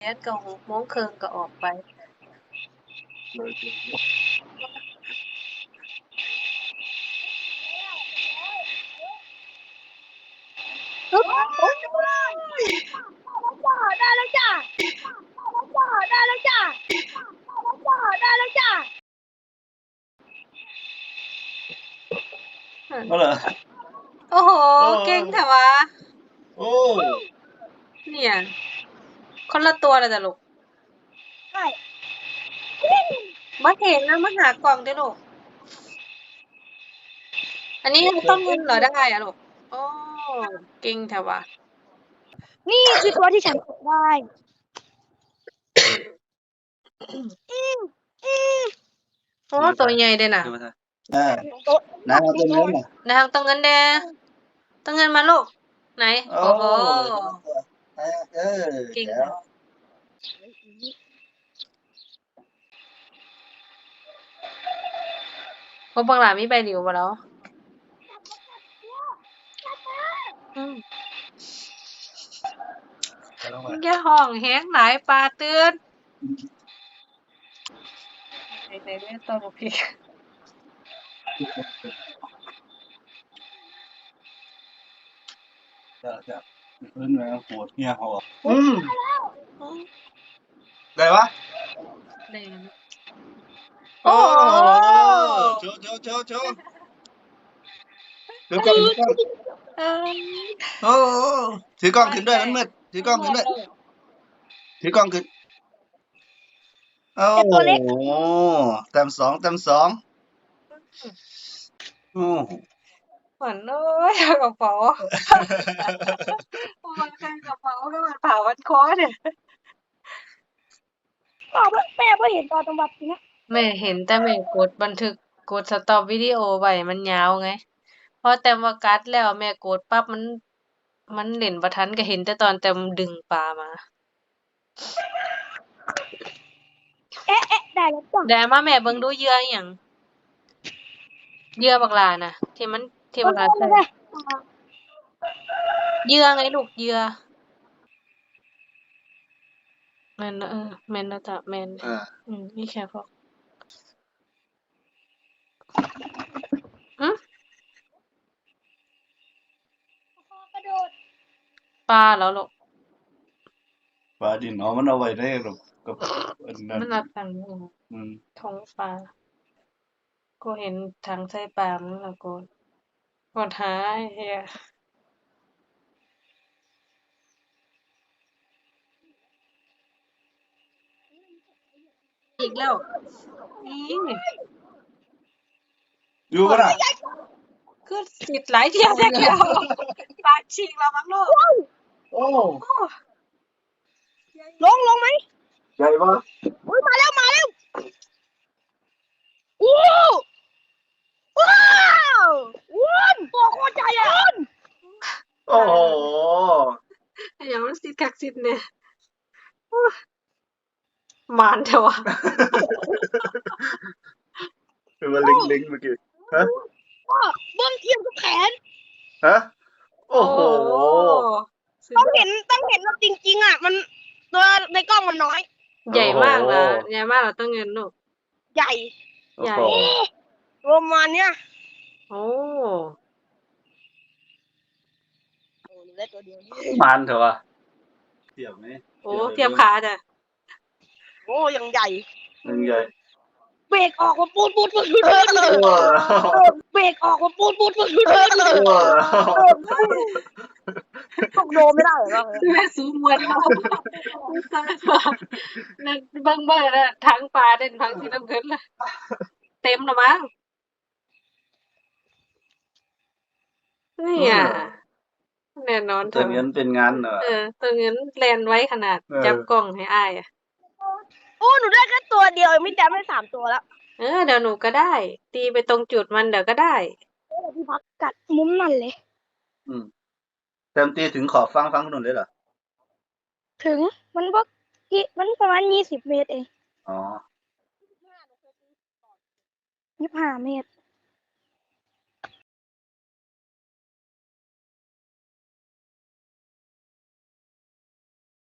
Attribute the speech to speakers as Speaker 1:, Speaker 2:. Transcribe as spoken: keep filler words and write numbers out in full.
Speaker 1: แอดก็หกโมงครึ่งก็ออกไป
Speaker 2: ปึ๊บโอ้ยได้แล้วจ้าได้แล้วจ้าได้แล้วจ้า
Speaker 3: ก็เหรอ
Speaker 1: โอ้โห
Speaker 3: โอ้
Speaker 1: เก่งแต่วะ
Speaker 3: โอ้
Speaker 1: เนี่ย คนละตัวเลยจ้ะลูก
Speaker 2: ใช่
Speaker 1: มาเห็นนะมาหากล่องด้วยลูก อันนี้ต้องเงินเหรอได้อะลูกโอ้เก่งแต่วะ
Speaker 2: นี่คือตัวที่ฉันตกได้อืมอืม
Speaker 1: โอ้ตัวใหญ่เลยน่ะ
Speaker 3: เออ
Speaker 2: โต๊ะ
Speaker 3: น้ำเอาตัวนี้มา
Speaker 1: นางต้องเงินแดต้องเงินมาลูก ไหน
Speaker 3: โอ้
Speaker 1: โอ้โห
Speaker 3: เออ
Speaker 1: เก่ง
Speaker 3: แล้
Speaker 1: แต่
Speaker 3: ว
Speaker 1: วะพวกบางหลามีใบหลิวมาแล้วอืมอย่าห้องแฮงหลายปลาตื่นในในเล่นตัวลูกพี่
Speaker 3: จะจะขึ้นมาโหดเหี้ยเขาอ่ะอืมได้ปะ
Speaker 1: แดง
Speaker 3: โอ้โชว์โชว์โชว์โชว์ถือกล้องถือกล้อง
Speaker 1: เอ้ย
Speaker 3: โอ้ถือกล้องขึ้นด้วยมันมืดถือกล้องขึ้นด้วยถือกล้องขึ้นโอ้โหแต้มสองแต้มสองโอ้
Speaker 1: เหมือนเอ้ยกระเป๋ามันเป็นกระเป๋าแล้วมันผ่าวันคอเนี่ย
Speaker 2: พ่อแม่ก็เห็นตอนจังหวัดนี้
Speaker 1: แม่เห็นแต่แม่กดบันทึกกดสต็อปวิดีโอไว้มันยาวไงพอแต้มว่ากัดแล้วแม่กดปั๊บมัน มันเล่นบ่ทันก็เห็นแต่ตอนแต้มดึงปลามา
Speaker 2: เอ๊ะเอ๊ะได้แล้วจ้ะ
Speaker 1: ได้มาแม่เบิ่งดูเหยื่ออิหยังเหยื่อบักหลาน่ะ ที่มันที่บักหลาใส่เหยื่อไงลูกเหยื่อแม่นเออแม่นแล้วจ้ะแม่น
Speaker 3: อ่า
Speaker 1: อืมนี่แค่พวกหึ
Speaker 2: กระโดด
Speaker 1: ปลาแล้วลูก
Speaker 3: ปลาดินเนาะมันเอาไว้ได้หรอกกับอันนั้น
Speaker 1: มันรับตังค์อยู่
Speaker 3: อืม
Speaker 1: ท้องปลากูเห็นถังใส่ปลามันแล้วกูกดหาไอ้เหี้ยอีกแล้วอี
Speaker 3: อยู่ปะน่ะ
Speaker 1: คือสิหลายเที่ยวแท้แล้วปากฉีกแล้วมั้งลูก
Speaker 3: โอ้
Speaker 1: โอ้
Speaker 2: ลงลงไหม
Speaker 3: ใหญ่ปะ
Speaker 2: อุ้ยมาแล้วมาแล้วว้าวว้าววุ้นตัวโคตรใหญ่อะวุ้น
Speaker 3: โอ้โห
Speaker 1: อย่ามันสิกักสิเนี่ยโอ้หมานเถอะวะ
Speaker 3: คือว่าลิงลิงเมื่อกี้ฮะ
Speaker 2: พ่อเบิ้งเทียมกับแขน
Speaker 3: ฮะโอ้โห
Speaker 1: สุด
Speaker 2: ต้อง
Speaker 1: ยอด
Speaker 2: เห็นต้องเห็นว่าจริงๆอ่ะมันตัวในกล้องมันน้อย
Speaker 1: ใหญ่มากนะ
Speaker 3: โอ้โห
Speaker 1: ใหญ่มากเราต้องเงินลูก
Speaker 2: ใหญ่
Speaker 1: ใหญ่
Speaker 3: โอ้โห
Speaker 2: ประมาณเนี้ย
Speaker 1: โอ้
Speaker 2: โอ้หนูได้ตัวเดียวนี่
Speaker 3: มันเถอะวะเทียบไหม
Speaker 1: โอ้เทียบขาจ้ะ
Speaker 2: โอ้ยังใหญ่
Speaker 3: หนึ่งใหญ่
Speaker 2: เบรกออกมาปูดปูดปูดปูดปูดเลย
Speaker 3: ว้าว
Speaker 2: เบรกออกมาปูดปูดปูดปูดปูดเลย
Speaker 3: ว้าว
Speaker 2: ตกโดนไม่ได้เหรอ
Speaker 1: แม่สูงมวนเราสร้างมานั่นเบิ่งเบิ่งนะทั้งปลาเด่นทั้งสีน้ำเงินเลยเต็มแล้วมั้งนี่อ่ะแน่นอน
Speaker 3: ตัวเงินเป็นงานเหรอ
Speaker 1: เออตัวเงินแลนไว้ขนาด
Speaker 3: เออ
Speaker 1: จับกล้องให้อ้ายอ่ะ
Speaker 2: โอ้หนูได้แค่ตัวเดียวไม่จำได้สามตัวแล้ว
Speaker 1: เออเดี๋ยวหนูก็ได้ ตีไปตรงจุดมันเดี๋ยวก็ได้
Speaker 2: พี่พักกัดมุมนั่นเลย
Speaker 3: อืมเต็มตีถึงขอบฟังฟังถนนเลยเหรอ
Speaker 2: ถึงมันพวกกี่มันประมาณยี่สิบเมตรเอง
Speaker 3: อ๋อ
Speaker 2: ยี่สิบห้าเมตร